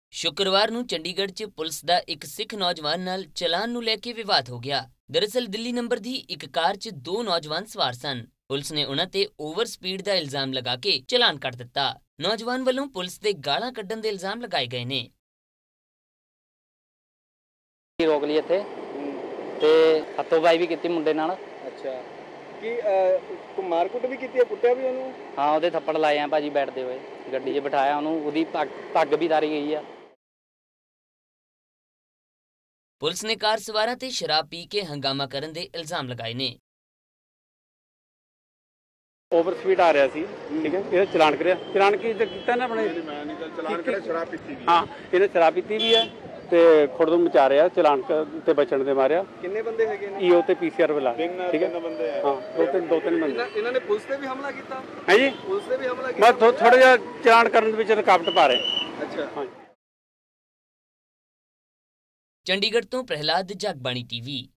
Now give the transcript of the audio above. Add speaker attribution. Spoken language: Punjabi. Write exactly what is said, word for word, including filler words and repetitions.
Speaker 1: शुक्रवार ਨੂੰ ਚੰਡੀਗੜ੍ਹ 'ਚ ਪੁਲਿਸ ਦਾ ਇੱਕ ਸਿੱਖ ਨੌਜਵਾਨ ਨਾਲ ਚਲਾਨ ਨੂੰ ਲੈ ਕੇ ਵਿਵਾਦ ਹੋ ਗਿਆ। ਦਰਅਸਲ ਦਿੱਲੀ ਨੰਬਰ ਦੀ ਇੱਕ ਕਾਰ 'ਚ ਦੋ ਨੌਜਵਾਨ ਸਵਾਰ ਸਨ। ਪੁਲਿਸ ਨੇ ਉਹਨਾਂ ਤੇ ਓਵਰ ਸਪੀਡ ਦਾ ਇਲਜ਼ਾਮ ਲਗਾ ਕੇ ਚਲਾਨ ਕੱਟ ਦਿੱਤਾ। ਨੌਜਵਾਨ ਵੱਲੋਂ ਪੁਲਿਸ ਦੇ ਗਾਲਾਂ ਕੱਢਣ ਦੇ ਇਲਜ਼ਾਮ ਲਗਾਏ ਗਏ ਨੇ।
Speaker 2: ਰੋਕ ਲਈ ਇੱਥੇ ਤੇ ਹੱਥੋਂ-ਪਾਈ ਵੀ ਕੀਤੀ ਮੁੰਡੇ ਨਾਲ।
Speaker 3: ਅੱਛਾ ਕੀ ਕੋ ਮਾਰਕੁੱਟ ਵੀ ਕੀਤੀ ਹੈ, ਕੁੱਟਿਆ ਵੀ ਉਹਨੂੰ?
Speaker 2: ਹਾਂ, ਉਹਦੇ ਥੱਪੜ ਲਾਏ ਆ ਭਾਜੀ ਬੈਠਦੇ ਹੋਏ, ਗੱਡੀ 'ਚ ਬਿਠਾਇਆ ਉਹਨੂੰ, ਉਹਦੀ ਪੱਗ ਪੱਗ ਵੀ ਤਾਰੀ ਗਈ ਆ।
Speaker 1: ਪੁਲਿਸ ਨੇ ਕਾਰ ਸਵਾਰਾਂ ਤੇ ਸ਼ਰਾਬ ਪੀ ਕੇ ਹੰਗਾਮਾ ਕਰਨ ਦੇ ਇਲਜ਼ਾਮ ਲਗਾਏ ਨੇ।
Speaker 4: ਓਵਰ ਸਪੀਡ ਆ ਰਿਹਾ ਸੀ, ਠੀਕ ਹੈ, ਇਹਦਾ ਚਲਾਨ ਕਰਿਆ। ਚਲਾਨ ਕੀ ਕੀਤਾ ਨਾ ਆਪਣੇ?
Speaker 3: ਮੈਂ ਨਹੀਂ ਚਲਾਨ ਕਰਿਆ, ਸ਼ਰਾਬ ਪੀਤੀ ਵੀ।
Speaker 4: ਹਾਂ, ਇਹਨੇ ਸ਼ਰਾਬ ਪੀਤੀ ਵੀ ਹੈ ਤੇ ਖੁਰਦੁਮ ਮਚਾ ਰਿਹਾ, ਚਲਾਨ ਤੇ ਬਚਣ ਦੇ ਮਾਰਿਆ।
Speaker 3: ਕਿੰਨੇ ਬੰਦੇ ਹੈਗੇ ਨੇ?
Speaker 4: ਈਓ ਤੇ ਪੀਸੀਆਰ ਵਾਲਾ, ਠੀਕ ਹੈ।
Speaker 3: ਤਿੰਨ ਬੰਦੇ ਆ।
Speaker 4: ਹਾਂ, ਦੋ ਤਿੰਨ ਦੋ ਤਿੰਨ ਬੰਦੇ।
Speaker 3: ਇਹਨਾਂ ਨੇ ਪੁਲਿਸ ਤੇ ਵੀ ਹਮਲਾ ਕੀਤਾ
Speaker 4: ਹੈ ਜੀ?
Speaker 3: ਪੁਲਿਸ ਤੇ ਵੀ ਹਮਲਾ ਕੀਤਾ।
Speaker 4: ਮੈਂ ਥੋੜਾ ਜਿਹਾ ਚਲਾਨ ਕਰਨ ਦੇ ਵਿੱਚ ਰੁਕਾਵਟ ਪਾ ਰਹੇ।
Speaker 3: ਅੱਛਾ,
Speaker 4: ਹਾਂ।
Speaker 1: ਚੰਡੀਗੜ੍ਹ ਤੋਂ ਪ੍ਰਹਿਲਾਦ ਜਗਬਾਣੀ ਟੀਵੀ।